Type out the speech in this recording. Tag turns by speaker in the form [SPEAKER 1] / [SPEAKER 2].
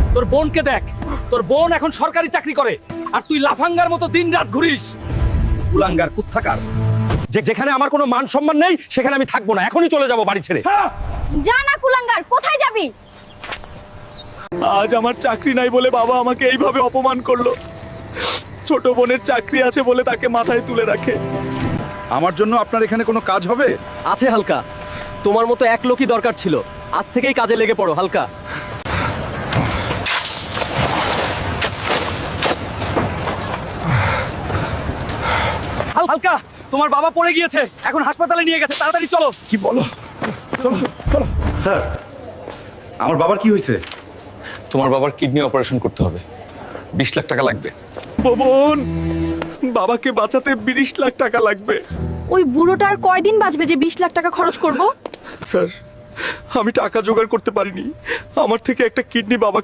[SPEAKER 1] তোর বোনকে দেখ, তোর বোন এখন সরকারি চাকরি করে আর তুই লাফাঙ্গার মতো দিনরাত ঘুরিস। কুলাঙ্গার কুত্থাকার, যেখানে আমার কোনো মান সম্মান নেই সেখানে আমি থাকবো না, এখনই চলে যাব বাড়ি ছেড়ে।
[SPEAKER 2] যা না কুলাঙ্গার, কোথায় যাবি?
[SPEAKER 3] আজ আমার চাকরি নাই বলে বাবা আমাকে এইভাবে অপমান করলো। ছোট বোনের চাকরি আছে বলে তাকে মাথায় তুলে রাখে।
[SPEAKER 4] আমার জন্য আপনার এখানে কোনো কাজ হবে?
[SPEAKER 5] আছে হালকা, তোমার মতো এক লোকই দরকার ছিল। আজ থেকেই কাজে লেগে পড়ো হালকা।
[SPEAKER 1] হালকা, তোমার বাবা পড়ে গিয়েছে, এখন হাসপাতালে নিয়ে গেছে, তাড়াতাড়ি চলো।
[SPEAKER 4] কি বলো? চলো চলো। স্যার, আমার বাবার কি হয়েছে?
[SPEAKER 1] তোমার বাবার কিডনি অপারেশন করতে হবে, 20 লাখ টাকা লাগবে।
[SPEAKER 3] বোন, বাবাকে বাঁচাতে 20 লাখ টাকা লাগবে।
[SPEAKER 2] ওই বুড়োটার কয়দিন বাঁচবে যে 20 লাখ টাকা খরচ করব?
[SPEAKER 3] স্যার, আমি টাকা জোগাড় করতে পারিনি। আমার থেকে একটা কিডনি বাবাকে